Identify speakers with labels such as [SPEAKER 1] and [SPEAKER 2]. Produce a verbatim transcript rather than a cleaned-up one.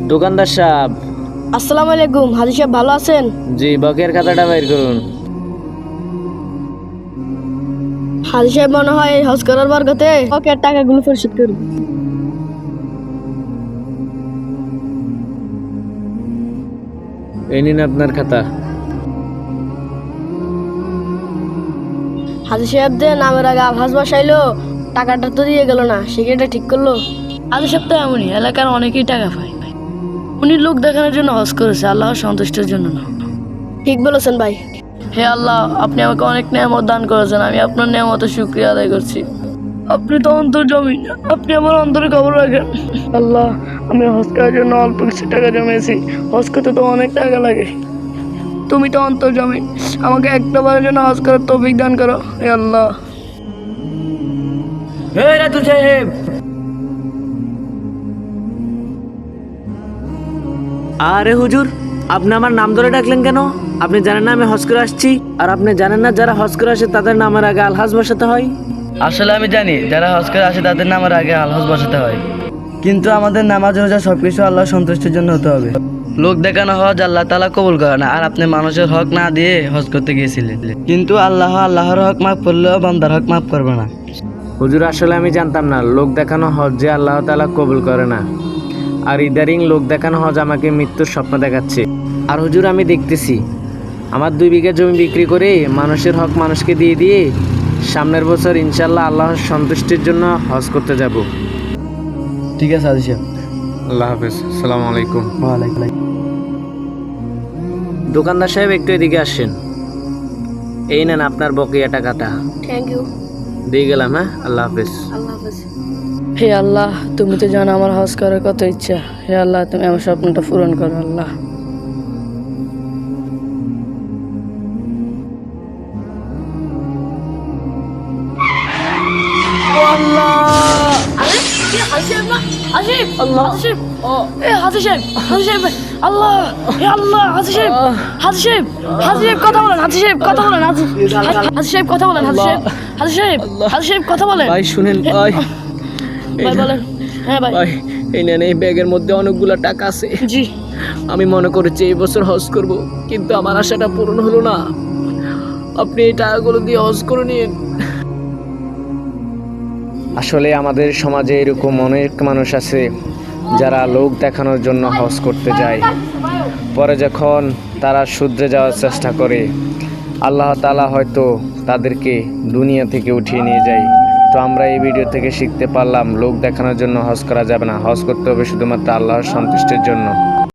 [SPEAKER 1] দোকানদার সাহেব।
[SPEAKER 2] আসসালামু আলাইকুম। হাজি সাহেব ভালো আছেন?
[SPEAKER 1] জি, বকের খাতাটা বের করুন।
[SPEAKER 2] হাজি সাহেব মনে হয় হজ করার বরকতে বকের টাকাগুলো পরিশোধ করুন।
[SPEAKER 1] এই নিন আপনার খাতা।
[SPEAKER 2] হাজি সাহেব যে নামের আগে আভাস বসাইলো, টাকাটা তো দিয়ে গেল না, সেটা ঠিক করলো।
[SPEAKER 3] হাজি সাহেব তো এমনই, এলাকার অনেকেই টাকা পায়। উনি লোক দেখানোর জন্য হজ করেছে, আল্লাহর সন্তুষ্টির জন্য না।
[SPEAKER 2] ঠিক বলেছেন ভাই।
[SPEAKER 3] হে আল্লাহ, আপনি আমাকে অনেক নিয়ামত দান করেছেন, আমি আপনার নিয়ামতের শুকরিয়া আদায় করছি। আপনি তো অন্তর জমিন, আপনি আমার অন্তরে খবর রাখেন। আল্লাহ, আমি হজ করার জন্য অল্প কিছু টাকা জমিয়েছি। হজ করতে তো অনেক টাকা লাগে। তুমি তো অন্তর জমিন, আমাকে একটা বারের জন্য হজ করার তৌফিক দান করো হে আল্লাহ।
[SPEAKER 1] এই রাতুল সাহেব, আরে হুজুর, আপনি আমার নাম ধরে ডাকলেন কেন? আপনি জানেন না আমি হজ করে আসছি? আর আপনি জানেন না যারা হজ করে আসে তাদের নামের আগে আলহাজ বসাতে হয়?
[SPEAKER 4] আসলে আমি জানি যারা হজ করে আসে তাদের নামের আগে আলহজ বসাতে হয়, কিন্তু আমাদের নামাজ রোজা সবকিছু আল্লাহ সন্তুষ্টির জন্য হতে হবে। লোক দেখানো হজ আল্লাহ তাআলা কবুল করে না। আর আপনি মানুষের হক না দিয়ে হজ করতে গিয়েছিলেন, কিন্তু আল্লাহ আল্লাহর হক মাফ করলেও বান্দার হক মাফ করবে না।
[SPEAKER 1] হুজুর, আসলে আমি জানতাম না লোক দেখানো হজ যে আল্লাহ তাআলা কবুল করে না। আর ইদারিং লোক দেখানো হজ আমাকে মৃত্যুর স্বপ্ন দেখাচ্ছে। আর হুজুর, আমি দেখতেছি আমার দুই বিঘা জমি বিক্রি করে মানুষের হক মানুষকে দিয়ে দিয়ে সামনের বছর ইনশাল্লাহ আল্লাহর সন্তুষ্টির জন্য হজ করতে যাব।
[SPEAKER 4] ঠিক আছে হাজি সাহেব।
[SPEAKER 1] আল্লাহ হাফেজ, আসসালামু আলাইকুম।
[SPEAKER 4] ওয়ালাইকুম আসসালাম।
[SPEAKER 1] দোকানদার সাহেব, একটু এদিকে আসেন। এই নেন আপনার বকেয়া টাকাটা।
[SPEAKER 2] Thank you.
[SPEAKER 1] দিয়ে গেলাম। হ্যাঁ, আল্লাহ হাফেজ।
[SPEAKER 2] আল্লাহ হাফেজ।
[SPEAKER 3] হে আল্লাহ, তুমি তো জানো আমার হজ করার কত ইচ্ছা। হে আল্লাহ, তুমি আমার স্বপ্নটা পূরণ করো আল্লাহ।
[SPEAKER 1] ভাই শুনেন ভাই,
[SPEAKER 3] ভাই বলেন। হ্যাঁ ভাই।
[SPEAKER 1] ভাই এই নেন, এই ব্যাগের মধ্যে অনেকগুলো টাকা আছে।
[SPEAKER 3] জি।
[SPEAKER 1] আমি মনে করেছি এই বছর হজ করব, কিন্তু আমার আশাটা পূরণ হলো না। আপনি এই টাকাগুলো দিয়ে হজ করে নিন। আসলে আমাদের সমাজে এরকম অনেক মানুষ আছে যারা লোক দেখানোর জন্য হজ করতে যায়, পরে যখন তারা শুধরে যাওয়ার চেষ্টা করে আল্লাহ তাআলা হয়তো তাদেরকে দুনিয়া থেকে উঠিয়ে নিয়ে যায়। তো আমরা এই ভিডিও থেকে শিখতে পারলাম লোক দেখানোর জন্য হজ করা যাবে না, হজ করতে হবে শুধুমাত্র আল্লাহর সন্তুষ্টির জন্য।